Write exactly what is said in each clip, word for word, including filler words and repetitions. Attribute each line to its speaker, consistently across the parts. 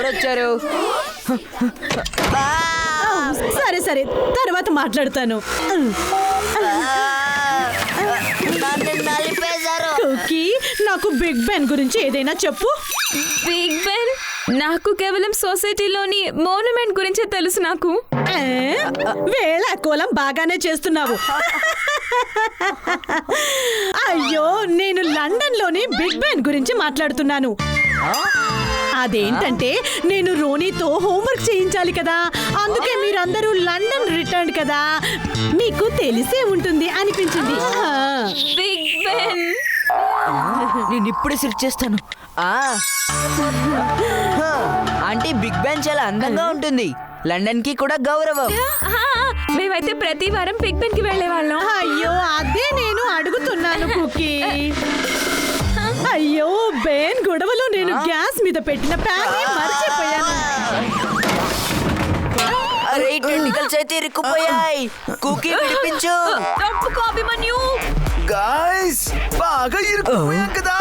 Speaker 1: వచ్చారు?
Speaker 2: సరే సరే తర్వాత మాట్లాడతాను. కుకీ, నాకు బిగ్ బెన్ గురించి ఏదైనా చెప్పు.
Speaker 3: Big Ben? నాకు కేవలం సొసైటీలోని మోన్యుమెంట్ గురించే తెలుసు. నాకు
Speaker 2: వేళ కోలం బాగానే చేస్తున్నావు. అయ్యో, నేను లండన్ లోని బిగ్ బెన్ గురించి మాట్లాడుతున్నాను. అదేంటంటే నేను రోనీతో హోంవర్క్ చేయించాలి కదా, అందుకే మీరందరూ లండన్ రిటర్న్ కదా, మీకు తెలిసే ఉంటుంది అనిపించింది.
Speaker 3: బిగ్ బెన్
Speaker 1: నేను ఇప్పుడే సెర్చ్ చేస్తాను. అంటే బిగ్ బెన్ చాలా అందంగా ఉంటుంది. లండన్ కి కూడా గౌరవం.
Speaker 3: మేమైతే ప్రతి వారం బిగ్ బెన్ కి వెళ్లే వాళ్ళం.
Speaker 2: అయ్యో, అదే నేను అడుగుతున్నాను కుకీ. అయ్యో, బెన్ గొడవలో నేను గ్యాస్ మీద పెట్టిన ప్యాన్ మర్చిపోయాను.
Speaker 1: అరే, టెంటికల్స్ అయితే ఇరుక్కుపోయాయి. కుకీ విడిపించు.
Speaker 3: తప్పుకో అభిమన్యు.
Speaker 4: గాయ్స్, బాగా ఇరుక్కుపోయాం కదా.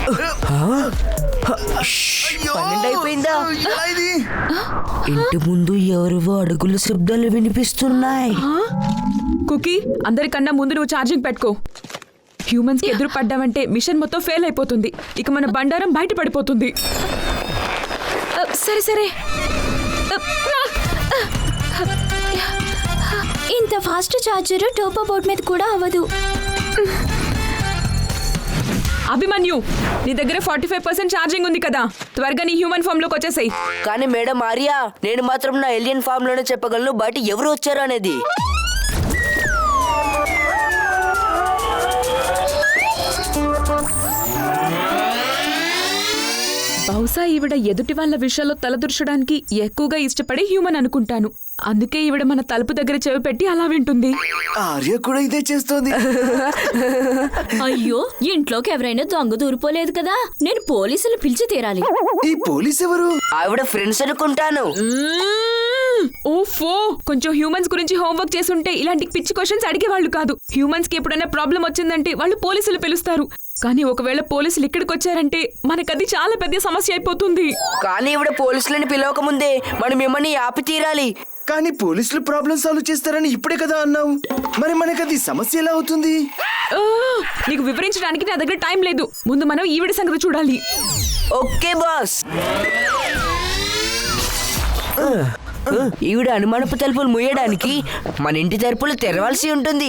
Speaker 1: పన్నెండు అయిపోయిందా?
Speaker 4: ఇది
Speaker 1: ఇంటి ముందు ఎవరివో అడుగుల శబ్దాలు వినిపిస్తున్నాయి.
Speaker 3: కుకీ, అందరికన్నా ముందు నువ్వు ఛార్జింగ్ పెట్టుకో. హ్యూమన్స్ కి ఎదురు పడ్డావంటే మిషన్ మొత్తం ఫెయిల్ అయిపోతుంది. ఇక మన బండారం బయట పడిపోతుంది. సరే సరే,
Speaker 5: ఇంత ఫాస్ట్ చార్జర్ టోపో బోర్డ్ మీద కూడా అవ్వదు.
Speaker 3: అభిమన్యు, నీ దగ్గర ఫార్టీ ఫైవ్ పర్సెంట్ ఛార్జింగ్ ఉంది కదా, త్వరగా నీ హ్యూమన్ ఫామ్ లోకి వచ్చేసాయి.
Speaker 1: కానీ మేడం ఆర్యా, నేను మాత్రం నా ఎలియన్ ఫామ్ లోనే చెప్పగలను బయట ఎవరు వచ్చారు అనేది.
Speaker 3: బహుశా ఈవిడ ఎదుటి వాళ్ళ విషయాల్లో తలదూర్చడానికి ఎక్కువగా ఇష్టపడే హ్యూమన్ అనుకుంటాను. అందుకే ఈవిడ మన తలుపు దగ్గర చెవి పెట్టి అలా వింటుంది.
Speaker 4: ఆర్య కూడా ఇదే చేస్తోంది.
Speaker 5: అయ్యో, ఇంట్లోకి ఎవరైనా దొంగ దూరిపోలేదు కదా, నేను పోలీసులు పిలిచి తీరాలి.
Speaker 4: ఈ పోలీస్ ఎవరు?
Speaker 1: ఆవిడ ఫ్రెండ్స్ అనుకుంటాను.
Speaker 3: ఓఫో, కొంచెం హ్యూమన్స్ గురించి హోంవర్క్ చేసుంటే ఇలాంటి పిచ్చి క్వశ్చన్స్ అడిగేవాళ్ళు కాదు. హ్యూమన్స్ కి ఎప్పుడైనా ప్రాబ్లం వచ్చిందంటే వాళ్ళు పోలీసులు పిలుస్తారు. కానీ ఒకవేళ పోలీసులు ఇక్కడికి వచ్చారంటే మనకది చాలా పెద్ద సమస్య అయిపోతుంది.
Speaker 1: కానీ ఇవిడ పోలీసులని పిలవక ముందే మనం మిమ్మల్ని ఆపి తీరాలి.
Speaker 4: కానీ పోలీసులు ప్రాబ్లం సాల్వ్ చేస్తారని ఇప్పుడే కదా అన్నావు. మరి మనకది సమస్య ఎలా అవుతుంది?
Speaker 3: నీకు వివరించడానికి నా దగ్గర టైం లేదు. ముందు మనం ఈవిడ సంగతి చూడాలి.
Speaker 1: Okay boss. ఈవిడ అనుమానపు తలుపులు మూయడానికి మన ఇంటి తలుపులు తెరవాల్సి ఉంటుంది.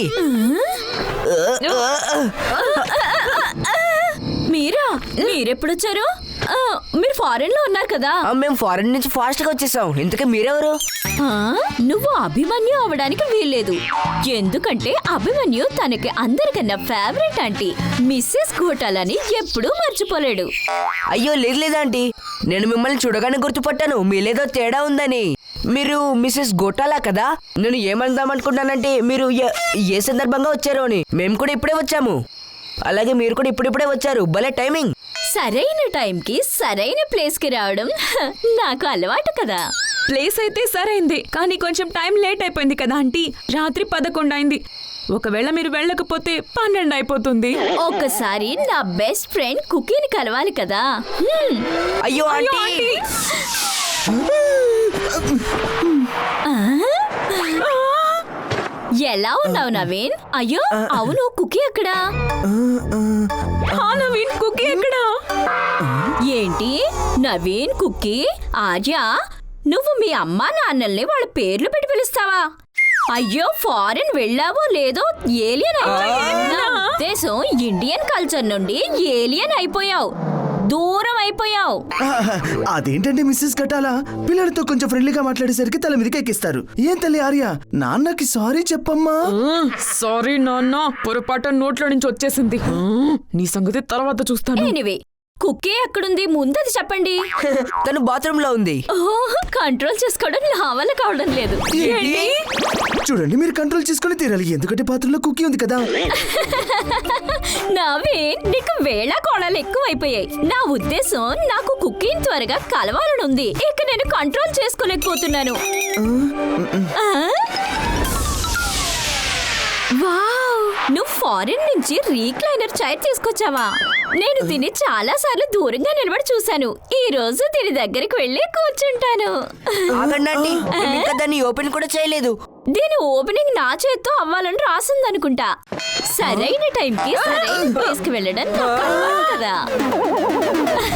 Speaker 5: మీరా? మీరెప్పుడొచ్చారు? మీరు ఫారెన్ లో ఉన్నారు కదా.
Speaker 1: మేము ఫారెన్ నుంచి ఫాస్ట్ గా వచ్చేసాం. ఇంతకీ మీరెవరు?
Speaker 5: నువ్వు అభిమన్యు అవడానికి వీల్లేదు. ఎందుకంటే అభిమన్యు తనకి అందరికన్నా ఫేవరెట్ ఆంటీ మిస్సెస్ ఘోటాలని ఎప్పుడూ మర్చిపోలేడు.
Speaker 1: అయ్యో లేదు లేదాంటీ, నేను మిమ్మల్ని చూడగానే గుర్తుపట్టాను మీలేదో తేడా ఉందని. మీరు మిస్సెస్ గోటాలా కదా? నేను ఏమందాం అనుకుంటానంటే మీరు ఏ సందర్భంగా వచ్చారో అని. మేము కూడా ఇప్పుడే వచ్చాము. అలాగే మీరు కూడా ఇప్పుడిప్పుడే వచ్చారు. భలే టైమింగ్.
Speaker 5: సరైన టైంకి సరైన ప్లేస్ కి రావడం నాకు అలవాటు కదా.
Speaker 3: ప్లేస్ అయితే సరైంది, కానీ కొంచెం టైం లేట్ అయిపోయింది కదా ఆంటీ. రాత్రి పదకొండు అయింది. ఒకవేళ మీరు వెళ్ళకపోతే పన్నెండు అయిపోతుంది.
Speaker 5: ఒక్కసారి నా బెస్ట్ ఫ్రెండ్ కుకీని కలవాలి కదా.
Speaker 1: అయ్యో ఆంటీ,
Speaker 5: ఎలా ఉన్నావు నవీన్? అయ్యో అవును, కుకీ ఎక్కడా?
Speaker 3: నవీన్, కుకీ ఎక్కడా?
Speaker 5: ఏంటి నవీన్, కుకీ, ఆర్య, నువ్వు మీ అమ్మా నాన్నల్ని వాళ్ళ పేర్లు పెట్టి పిలుస్తావా? అయ్యో, ఫారెన్ వెళ్ళావో లేదో ఏలియన్ అయిపోయావు. నా ఉద్దేశం ఇండియన్ కల్చర్ నుండి ఏలియన్ అయిపోయావు, దూరం అయిపోయావు.
Speaker 4: అదేంటంటే మిస్సెస్ గటాలా పిల్లలతో కొంచెం ఫ్రెండ్లీగా మాట్లాడేసరికి తల మీదకి ఎక్కిస్తారు. ఏం తల్లి ఆర్య, నాన్నకి సారీ చెప్పమ్మా.
Speaker 3: సారీ నాన్న, పొరపాటు నోట్లో నుంచి వచ్చేసింది. నీ సంగతి తర్వాత చూస్తాను.
Speaker 5: ఎనీవే, కుకీ ఎక్కడుంది ముందది చెప్పండి.
Speaker 1: తను బాత్రూమ్ లో ఉంది.
Speaker 5: కంట్రోల్ చేసుకోవడం నా వల్ల కావడం లేదు.
Speaker 4: చూడండి, మీరు కంట్రోల్ చేసుకుని తీరాలి, ఎందుకంటే పాత్రలో కుకీ ఉంది కదా.
Speaker 5: నవీన్, నీకు వేళ కోణాలు ఎక్కువైపోయాయి. నా ఉద్దేశం నాకు కుకీని త్వరగా కలవాలనుంది. ఇక నేను కంట్రోల్ చేసుకోలేకపోతున్నాను. వావ్, నువ్వు ఫారిన్ నుంచి రీక్లైనర్ చైర్ తీసుకొచ్చావా? నేను దీన్ని చాలా సార్లు దూరంగా నిలబడి చూశాను. ఈ రోజు దీని దగ్గరికి వెళ్ళి కూర్చుంటాను.
Speaker 1: ఆగండి ఆంటీ, మేము ఇంకా దాన్ని ఓపెన్ కూడా చేయలేదు.
Speaker 5: దీని ఓపెనింగ్ నా చేత్తో అవ్వాలని రాసిందనుకుంటా. సరైన టైంకి సరైన ప్లేస్ కి వెళ్ళడం నాకు అలవాటు కదా.